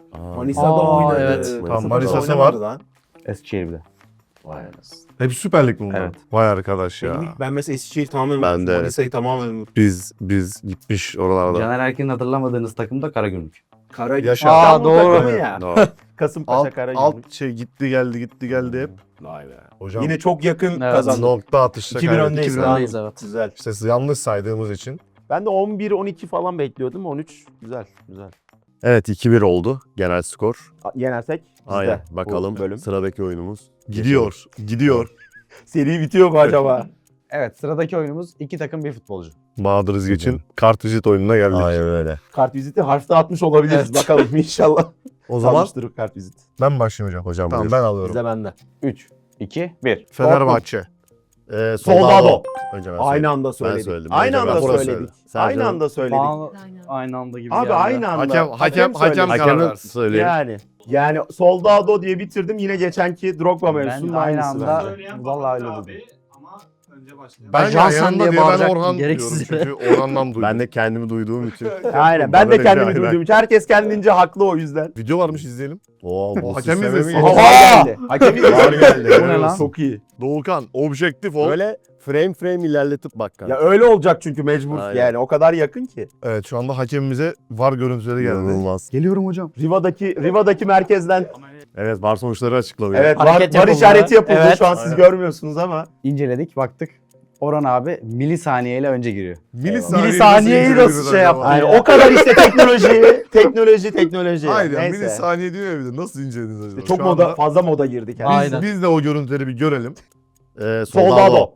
S6: Manisa'da
S3: Aa,
S6: oynadı.
S3: evet.
S1: Tamam, Manisa'sı
S6: Oynamadı
S1: var.
S6: lan.
S5: Eskişehir bir de.
S6: Vay anasını.
S1: Hep Süper Lig mi bunlar?
S5: Evet.
S1: Vay arkadaş ya.
S6: Ben mesela Eskişehir'i tamamen
S2: Ben
S6: unuttum.
S2: de.
S6: Manisa'yı tamamen unuttum.
S1: Biz gitmiş oralarda.
S5: Caner Erkin'in hatırlamadığınız takım da Karagümrük.
S1: Yaşa.
S6: Aa,
S3: doğru.
S6: takımı ya.
S2: Doğru.
S6: Kasımpaşa
S1: Alt,
S6: Karagümrük.
S1: alt şey gitti geldi hep.
S6: Vay be.
S1: Hocam
S6: Yine çok yakın
S3: Evet.
S6: kazandı.
S1: nokta atışta
S6: 2-1
S1: kaybettik.
S6: öndeyiz.
S1: 2-1
S6: Daha
S3: öndeyiz, evet.
S6: Güzel.
S1: İşte yanlış saydığımız için.
S4: Ben de 11-12 falan bekliyordum. 13 güzel güzel.
S2: Evet 2-1 oldu genel skor.
S4: Yenersek bizde
S2: Aynen
S4: bu
S2: bakalım
S4: bölüm.
S2: sıradaki oyunumuz.
S1: Gidiyor.
S4: Seri bitiyor mu acaba?
S5: Evet, sıradaki oyunumuz iki takım bir futbolcu.
S1: Bahadır Özgeç'in kartvizit oyununa geldik.
S2: Aynen öyle.
S4: Kart viziti harfte atmış olabiliriz. Bakalım inşallah.
S1: O zaman
S4: Kalmıştır kart vizit.
S1: ben başlayayım hocam.
S2: Hocam
S1: Tamam
S2: buyur.
S1: ben alıyorum.
S4: Bize bende.
S5: 3, 2, 1.
S1: Fenerbahçe.
S4: Soldado.
S2: Önce ben
S4: Aynı
S2: söyledim.
S4: anda söyledik.
S2: söyledim.
S4: Aynı
S2: Önce
S4: anda
S2: ben
S1: söyledim.
S4: söyledik.
S2: Sen
S4: Aynı
S2: canım.
S4: anda söyledik.
S3: Aynı anda gibi
S4: Abi
S3: geldi.
S4: aynı anda.
S1: Hakem
S4: söyledi.
S1: karar
S2: Hakemin
S1: versin.
S2: söyleyin.
S4: Yani Soldado diye bitirdim. Yine geçenki Drogba mevzusunun
S5: Ben aynı
S4: aynısı
S5: anda
S4: bence.
S5: vallahi öyle dedim.
S6: Ama önce başlayalım.
S1: Ben
S3: Johnson
S1: yanında
S3: diye
S1: diye ben
S3: bağıracak,
S1: Orhan
S3: gereksiz
S1: diyorum çünkü Orhan'dan duydum.
S2: Ben de kendimi duyduğum için.
S4: Aynen. Ben
S2: Bana
S4: de
S2: da
S4: kendimi
S2: aynen.
S4: duyduğum için. Herkes kendince haklı o yüzden.
S1: Video varmış izleyelim.
S2: Oo, bu
S1: Hakem
S2: sisteme mi
S1: izlesin.
S2: geçti?
S4: Var geldi. Hakem
S2: Var geldi.
S5: Bu ne lan?
S4: Çok iyi.
S1: Doğukan objektif ol.
S2: Böyle frame ilerletip bak kanka.
S4: Ya öyle olacak çünkü mecbur.
S2: Aynen.
S4: Yani o kadar yakın ki.
S1: Evet şu anda hakemimize var görüntüleri geldi.
S2: İnanılmaz.
S5: Geliyorum hocam.
S4: Riva'daki merkezden
S2: Evet var sonuçları açıklanıyor.
S4: evet
S3: Hareket
S4: var
S3: yapıldı.
S4: işareti yapıldı.
S3: Evet.
S4: Şu an siz görmüyorsunuz ama.
S5: İnceledik, baktık. Orhan abi milisaniyeyle önce giriyor.
S3: Milisaniyeyi nasıl şey yaptı?
S4: Yani
S3: Ya.
S4: o kadar işte teknoloji.
S1: Hayır ya
S4: Neyse.
S1: milisaniye diyor ya bir de nasıl incelediniz acaba?
S4: Çok
S1: Şu
S4: moda
S1: anda
S4: fazla moda girdik yani.
S3: Aynen.
S1: Biz de o görüntüleri bir görelim.
S4: Soldado.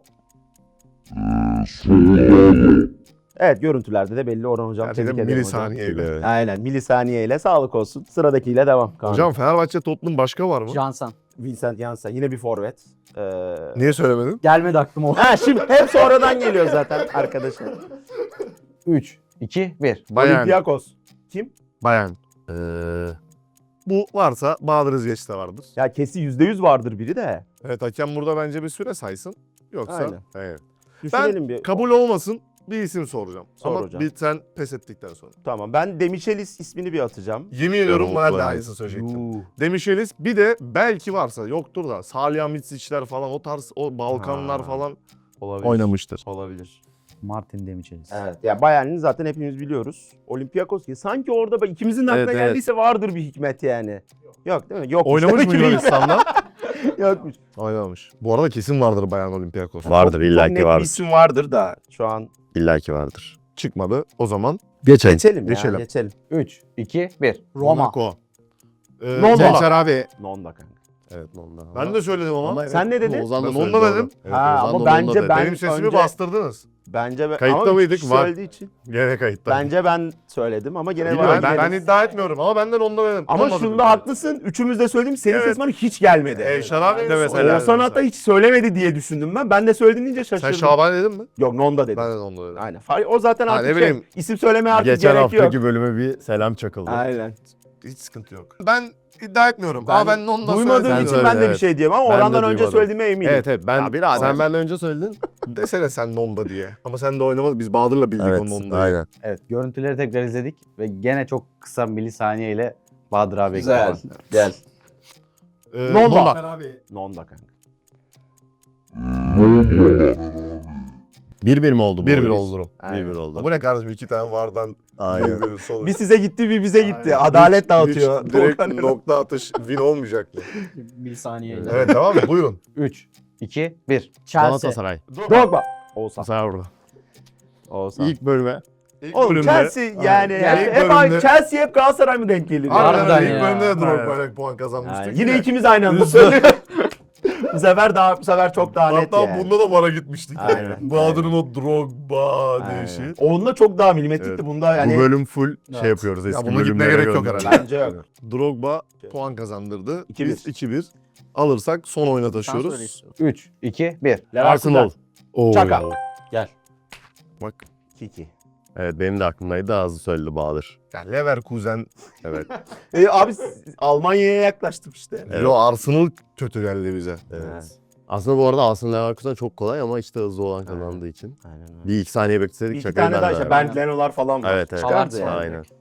S4: Evet görüntülerde de belli Orhan hocam.
S1: Gerçekten
S4: Tebrik ederim hocam.
S1: milisaniyeyle.
S2: Evet.
S4: Aynen milisaniyeyle sağlık olsun. Sıradakiyle devam. Kaan.
S1: Hocam Fenerbahçe Tottenham başka var mı?
S3: Johnson.
S4: Vincent Janssen yine bir forvet.
S1: Niye söylemedin?
S3: Gelmedi aklıma o.
S4: Ha şimdi hep sonradan geliyor zaten arkadaşım.
S5: 3, 2, 1.
S1: Bayern.
S4: Olympiakos. Kim?
S1: Bayern.
S2: Ee,
S1: Bu varsa Bahadır Özgeç de vardır.
S4: Ya kesin %100 vardır biri de.
S1: Evet hakem burada bence bir süre saysın. Yoksa
S4: Aynen.
S1: evet.
S4: Düşünelim bir.
S1: Kabul olmasın bir isim soracağım.
S4: Sor
S1: Ama
S4: hocam.
S1: bir sen pes ettikten sonra.
S4: Tamam ben Demichelis ismini bir atacağım.
S1: Yemin ediyorum
S2: Yok,
S1: bana da
S2: yani.
S1: aynısını söyleyecektim. Demişeliz bir de belki varsa yoktur da Salihamidzic'ler falan o tarz o Balkanlar
S4: Ha.
S1: falan
S4: Olabilir.
S1: oynamıştır.
S4: Olabilir.
S5: Martin Demichelis.
S4: Evet. Ya Bayern'i zaten hepimiz biliyoruz. Olympiakos ki sanki orada ikimizin de aklına
S2: Evet, evet.
S4: geldiyse vardır bir hikmet yani. Yok değil mi? Yok.
S1: Oynamış mı Yunanistan'da?
S4: Yokmuş.
S1: Oynamış. Bu arada kesin vardır Bayern Olympiakos.
S2: vardır
S4: Çok
S2: illaki
S4: net bir
S2: vardır.
S4: isim vardır da şu an
S2: İllaki vardır.
S1: Çıkmadı. O zaman
S2: Geçelim.
S4: geçelim ya.
S1: Geçelim.
S4: Geçelim.
S5: 3, 2, 1.
S3: Roma.
S1: Monaco.
S4: Nonda.
S1: Gençler abi.
S4: Nonda kanka.
S2: Evet ondan.
S1: Ben de söyledim ama.
S4: Sen ne dedin?
S2: Ozan da
S1: Ben
S2: söyledi
S1: onunla
S2: doğru.
S1: dedim.
S2: Evet,
S4: Ha,
S2: Ozan
S4: ama
S2: da
S4: bence
S2: onunla dedi.
S4: ben-
S1: Benim sesimi
S4: önce-
S1: bastırdınız.
S4: Bence
S1: Kayıtta
S4: ama üç
S1: mıydık?
S4: kişi
S1: Var.
S4: söylediği için.
S1: Gene kayıtta.
S4: Bence ben söyledim ama gene
S1: Bilmiyorum,
S4: var.
S1: ben iddia etmiyorum ama benden onda dedim.
S4: Ama
S1: Olmadı
S4: şunda
S1: dedim.
S4: haklısın. Üçümüz de söyledim. Senin
S1: Evet.
S4: sesin bana hiç gelmedi.
S1: Şarabi de
S2: mesela.
S4: Oğuzhan hatta hiç söylemedi diye düşündüm ben. Ben de söyledin deyince
S1: Sen
S4: şaşırdım.
S1: Şaban dedin mi?
S4: Yok Nonda dedim.
S1: Ben de onda dedim.
S4: Aynen. O zaten
S1: Ha,
S4: artık
S1: ne bileyim.
S4: isim söylemeye artık
S2: Geçen
S4: gerek yok.
S2: haftaki bölüme bir selam çakıldı.
S4: Aynen.
S1: Hiç sıkıntı yok. Ben iddia etmiyorum ama ben onda
S4: Duymadığım
S1: söyledim.
S4: için
S2: Sen
S4: ben de
S2: söyle,
S4: bir şey diyemem ama
S2: Ben de
S4: Orhan'dan önce
S2: duymadım.
S4: söylediğime eminim.
S2: Evet evet ben
S4: Ya birader.
S2: sen benden önce söyledin.
S1: Desene sen Nonda diye. Ama sen de oynamadın. Biz Bahadır'la bildik
S2: Evet
S1: onun Nonda'yı.
S2: aynen.
S5: Evet, görüntüleri tekrar izledik ve gene çok kısa milisaniyeyle Bahadır abi
S4: Güzel.
S5: ekledim.
S4: Gel.
S1: Nonda.
S4: Nonda kanka.
S2: 1-1 mi oldu bu?
S1: 1-1
S2: oyun?
S1: oldu durum.
S2: 1-1 oldu.
S1: Bu ne kardeşim? 2 tane vardan
S2: Aynen.
S1: bir sonuç.
S4: Bir size gitti bir bize gitti. Adalet dağıtıyor.
S1: Hiç direkt
S4: Doğukan-
S1: nokta atış win olmayacak mı?
S3: Milisaniyeyle.
S1: Evet devam mı? Buyurun.
S5: 3, 2, 1.
S3: Chelsea.
S2: Galatasaray.
S4: Drogba. Oğuzhan.
S2: Sen orada.
S4: Oğuzhan.
S2: İlk bölüme.
S4: Oğlum Chelsea yani
S1: İlk
S4: hep
S1: bölümde-
S4: Chelsea hep Galatasaray mı denk geliyor?
S1: Harbiden
S3: Harbiden
S1: ilk
S3: ya.
S1: bölümde de
S4: Aynen.
S1: Drogba'yla puan kazanmıştık.
S4: Yani yine ikimiz aynı anda söylüyoruz. bu sefer çok daha net
S1: Hatta
S4: yani.
S1: bunda da bara gitmiştik.
S4: Aynen.
S1: Bahadır'ın o Drogba
S4: Aynen.
S1: deyişi.
S4: Onda çok daha milimetrikti.
S2: Evet.
S4: Bunda yani
S2: Bu bölüm full
S3: Evet.
S2: şey yapıyoruz. Eski
S1: buna gitmeye
S2: bölümlere
S1: gerek yok
S2: gönderiyoruz.
S1: herhalde.
S4: bence yok.
S1: Drogba puan kazandırdı.
S4: 2-1.
S1: Biz 2-1 alırsak son oyuna
S3: Sen söyle
S1: taşıyoruz.
S3: istiyorsan.
S5: 3, 2, 1.
S2: Arsenal.
S1: Oo.
S4: Çaka.
S1: Bak.
S4: Kiki.
S2: Evet benim de aklımdaydı. Ağzı söyledi Bahadır.
S1: Ya Leverkusen.
S2: Evet.
S4: Abi Almanya'ya yaklaştım işte.
S2: Evet.
S1: Yo Arsenal kötü geldi bize.
S2: Evet. Aslında bu arada Arsenal Leverkusen çok kolay ama işte hızlı olan kazandığı için.
S4: Aynen öyle.
S2: Bir iki saniye bekleseydik
S4: İki
S2: şakayı
S4: tane daha
S2: ben
S4: işte
S2: de
S4: Bernd Leno'lar falan var.
S2: Evet evet.
S4: Çıkardı
S3: Haaland
S4: yani.
S2: Aynen.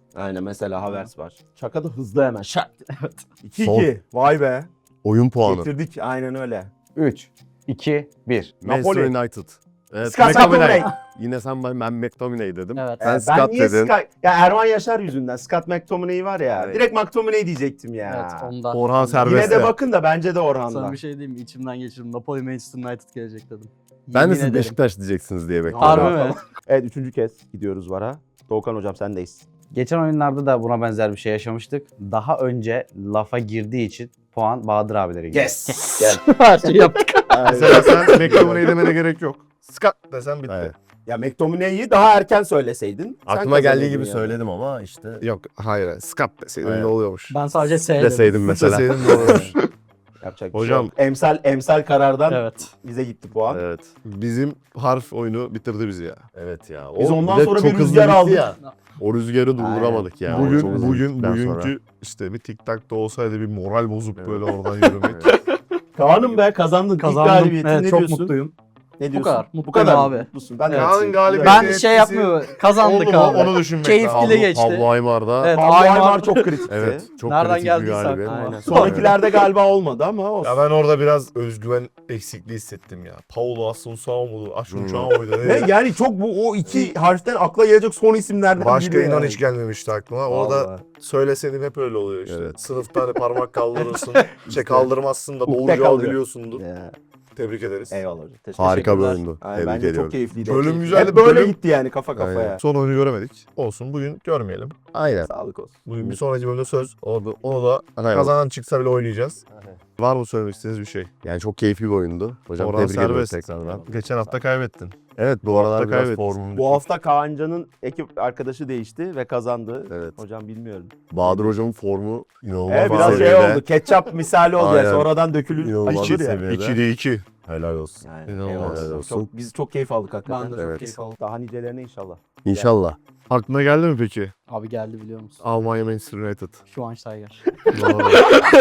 S4: Aynen mesela Havertz var. Şaka da hızlı hemen şak.
S3: Evet.
S4: 2-2. Vay be.
S2: Oyun puanı.
S4: Getirdik aynen öyle.
S5: 3, 2, 1.
S2: Manchester
S4: Napoli.
S2: United. Evet,
S4: Scott McTominay.
S2: Yine ben McTominay dedim.
S3: Evet.
S2: Sen
S4: Ben
S2: Scott
S4: niye
S2: dedin.
S4: Ya Erman Yaşar yüzünden. Scott McTominay var ya.
S2: Evet.
S4: Direkt McTominay diyecektim ya.
S3: Evet ondan.
S1: Orhan
S4: Yine
S1: serbest.
S4: de bakın da bence de
S3: Sana
S4: Orhan'da.
S3: bir şey diyeyim mi? İçimden geçirdim. Napoli Manchester United gelecek dedim.
S2: Ben de
S3: Yemin
S2: siz
S3: ederim.
S2: Beşiktaş diyeceksiniz diye bekliyorum.
S3: Harbi mi?
S4: Evet 3. kez gidiyoruz VAR'a. Doğukan hocam sendeyiz.
S5: Geçen oyunlarda da buna benzer bir şey yaşamıştık. Daha önce lafa girdiği için puan Bahadır abilere gidiyor.
S4: Gel.
S3: Her şeyi yaptık.
S1: Mesela sen McTominay demene gerek yok. Scott desen bitti.
S2: Evet.
S4: Ya McTominay'i daha erken söyleseydin. sen
S2: Aklıma geldiği
S4: kazanırdın
S2: gibi
S4: yani.
S2: söyledim ama işte
S1: Yok hayır. Scott deseydin
S2: Evet.
S1: ne oluyormuş?
S3: Ben sadece S
S2: deseydim mesela.
S1: Deseydin ne oluyormuş?
S4: Yapacak bir
S1: Hocam.
S4: şey yok. Emsal karardan
S3: Evet.
S4: bize gitti puan.
S2: Evet.
S1: Bizim harf oyunu bitirdi bizi ya.
S2: Evet ya.
S4: Biz ondan
S2: de
S4: sonra
S2: çok
S4: bir
S2: hızlı
S4: rüzgar
S2: bitti
S4: aldık.
S2: ya. O rüzgarı durduramadık ya.
S1: Bugün
S2: Çok hızlı bittikten
S1: bugünkü
S2: sonra.
S1: işte bir tik tak da olsaydı bir moral bozup
S2: Evet.
S1: böyle oradan yürümek.
S4: Kaan'ım be kazandın. İlk
S3: Kazandım.
S4: galibiyetin
S3: Evet,
S4: ne
S3: çok
S4: diyorsun?
S3: mutluyum.
S4: Ne diyorsun?
S3: kadar.
S4: Bu
S3: Mutluyum
S4: kadar
S3: abi.
S4: mutlusun. Ben de
S1: Kaan'ın
S4: mutluyum.
S1: galibiyeti-
S3: Ben
S1: etkisi-
S3: şey yapmıyor. Kazandık
S1: Oldu mu?
S3: abi.
S1: Onu düşünmek
S3: Keyifli
S1: lazım.
S3: de geçti.
S2: Pablo Aymar'da
S3: Evet,
S4: Pablo
S3: Aymar-
S4: Aymar çok kritikti.
S2: evet çok
S3: Nereden
S2: kritik bir
S3: geldiyse
S2: galibiyet.
S3: aklıma.
S4: Aynen. Sonrakilerde galiba olmadı ama olsun.
S1: Ya ben orada biraz özgüven eksikliği hissettim ya. Paulo Asunsao muydu? Asunsao muydu?
S4: Ve yani çok o iki harften akla gelecek son isimlerden
S1: Başka
S4: biri
S1: inan
S4: yani.
S1: hiç gelmemişti aklıma. Orada
S4: Vallahi.
S1: söyleseydim hep öyle oluyor işte.
S2: Evet.
S1: Sınıfta hani parmak kaldırırsın. şey kaldırmazsın da
S4: Ukde
S1: doğru cevabı
S4: kalıyor.
S1: biliyorsundur.
S4: Ya,
S1: Tebrik ederiz.
S4: eyvallah hocam.
S2: Harika bir
S4: Teşekkürler.
S2: oyundu.
S4: Aynen,
S2: Tebrik
S4: bence
S2: ediyorum.
S4: çok keyifliydi.
S1: Bölüm
S4: Hep
S1: güzeldi,
S4: böyle
S1: bölüm-
S4: gitti yani kafa kafaya.
S2: Aynen.
S1: Son oyunu göremedik. Olsun bugün görmeyelim.
S2: Aynen.
S4: Sağlık olsun.
S1: Bugün bir sonraki bölümde söz. Onu da
S2: Aynen.
S1: kazanan çıksa bile oynayacağız. Var mı söylemek istediğiniz bir şey?
S2: Yani çok keyifli bir oyundu. Hocam
S1: Orhan
S2: tebrik ediyorum
S1: serbest.
S2: tekrardan.
S1: Geçen hafta kaybettin.
S2: Evet bu aralar
S1: hafta
S2: biraz
S1: kaybettik.
S2: formum.
S4: Bu hafta Kaancan'ın ekip arkadaşı değişti ve kazandı.
S2: Evet.
S4: Hocam bilmiyorum.
S2: Bahadır hocamın formu inanılmaz
S4: Evet
S2: bir
S4: biraz şey
S2: seviyede.
S4: oldu. Ketçap misali oldu.
S2: Aynen.
S4: Yani. Sonradan dökülür.
S2: İnanılmaz
S4: Açılır
S2: bir
S4: ya.
S2: seviye.
S1: 2'de 2.
S2: Helal olsun.
S4: Yani,
S1: İnanılmaz.
S4: eyvallah.
S2: Helal olsun.
S4: Biz çok keyif aldık hakikaten.
S3: Ben de çok
S2: Evet.
S3: keyif aldım.
S4: Daha nicelerine inşallah.
S2: İnşallah.
S1: Aklına geldi mi peki?
S3: Abi geldi biliyor musun?
S1: Almanya Manchester United.
S3: Schweinsteiger.
S1: Doğru.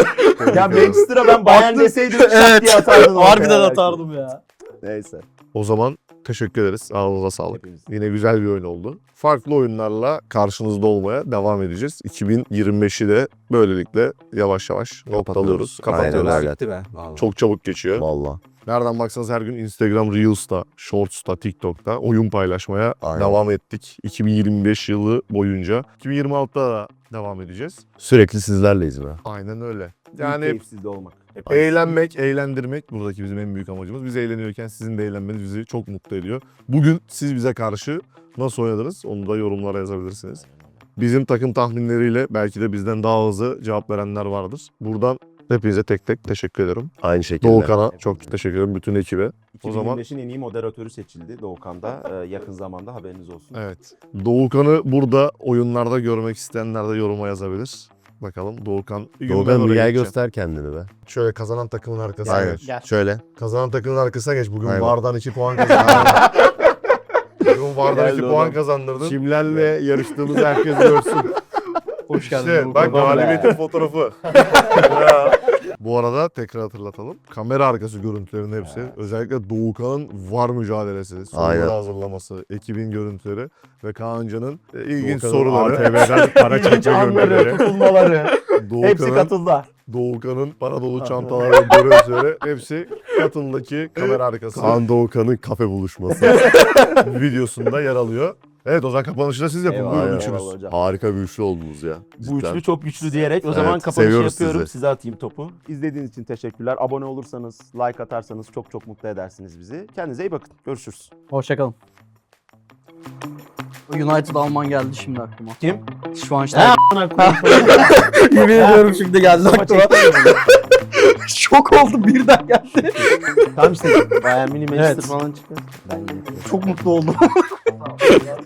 S4: Ya Manchester'a ben Bayern deseydim şak diye atardın. ortaya
S3: Harbiden
S4: belki.
S3: atardım ya.
S4: Neyse.
S1: O zaman teşekkür ederiz. Ağzınıza sağlık.
S4: Hepiniz.
S1: Yine güzel bir oyun oldu. Farklı oyunlarla karşınızda olmaya devam edeceğiz. 2025'i de böylelikle yavaş yavaş noktalıyoruz. Kapatıyoruz.
S2: Aynen öyle.
S6: Bitti be. Vallahi.
S1: Çok çabuk geçiyor.
S2: Valla.
S1: Nereden baksanız her gün Instagram Reels'ta, Shorts'ta, TikTok'ta oyun paylaşmaya
S2: Aynen.
S1: devam ettik. 2025 yılı boyunca. 2026'da da devam edeceğiz.
S2: Sürekli sizlerleyiz be.
S1: Aynen öyle.
S4: Yani
S1: Yani
S4: keyifsizde olmak. Hep
S1: eğlenmek, eğlendirmek buradaki bizim en büyük amacımız. Biz eğleniyorken sizin de eğlenmeniz bizi çok mutlu ediyor. Bugün siz bize karşı nasıl oynadınız onu da yorumlara yazabilirsiniz. Bizim takım tahminleriyle belki de bizden daha hızlı cevap verenler vardır. Buradan hepinize tek tek teşekkür ederim.
S2: Aynı şekilde.
S1: Doğukan'a çok teşekkür ederim, bütün ekibe. O zaman
S4: 2025'in en iyi moderatörü seçildi Doğukan'da. Yakın zamanda haberiniz olsun.
S1: evet. Doğukan'ı burada oyunlarda görmek isteyenler de yoruma yazabilir. Bakalım Doğukan. Bir gün ben
S2: Doğukan
S1: oraya
S2: bir gel
S1: geçeceğim.
S2: göster kendini be.
S1: Şöyle kazanan takımın arkasına
S2: Aynen.
S1: geç.
S3: Gel.
S2: Şöyle.
S1: Kazanan takımın arkasına geç. Bugün
S2: Aynen.
S1: VAR'dan 2 puan kazandırdın. Bugün VAR'dan
S4: Geldi
S1: 2
S4: oğlum.
S1: puan kazandırdın.
S2: Kimlerle yarıştığımızı herkes görsün.
S3: Hoş geldin.
S1: İşte
S3: Doğukan.
S1: bak
S4: Doğukan be.
S1: galibiyetin fotoğrafı. Ya. Bu arada tekrar hatırlatalım. Kamera arkası görüntülerin hepsi. Özellikle Doğukan'ın VAR mücadelesi, soruları
S2: Aynen.
S1: hazırlaması, ekibin görüntüleri ve Kaancan'ın ilginç
S2: Doğukan'ın
S1: soruları.
S2: ATV'den para
S4: İlginç
S2: çekme
S4: anları,
S2: görüntüleri.
S4: tutulmaları. Hepsi
S1: Doğukan'ın
S4: katıldı.
S1: Doğukan'ın para dolu çantaları ve görüntüleri hepsi katıldaki kamera arkası
S2: Kaan Doğukan'ın kafe buluşması.
S1: videosunda yer alıyor. Evet o zaman kapanışı da siz yapın.
S4: Eyvallah,
S1: Buyurun
S2: Aynen.
S1: üçünüz.
S4: eyvallah hocam.
S2: Harika bir üçlü oldunuz ya.
S4: Bu
S2: Cidden.
S4: üçlü çok güçlü diyerek o zaman
S2: Evet,
S4: kapanışı
S2: seviyoruz
S4: yapıyorum.
S2: sizi.
S4: Size atayım topu. İzlediğiniz için teşekkürler. Abone olursanız, like atarsanız çok çok mutlu edersiniz bizi. Kendinize iyi bakın. Görüşürüz.
S3: Hoşçakalın. United Alman geldi şimdi aklıma.
S4: Kim?
S3: Schweinsteiger. Yemin ediyorum şimdi geldi
S4: Ama
S3: aklıma.
S4: çektim.
S3: Şok oldum birden geldi.
S4: Tamam işte. Bayern Mini Manchester
S3: Evet.
S4: falan çıkıyor. Ben yine.
S3: Çok mutlu oldum.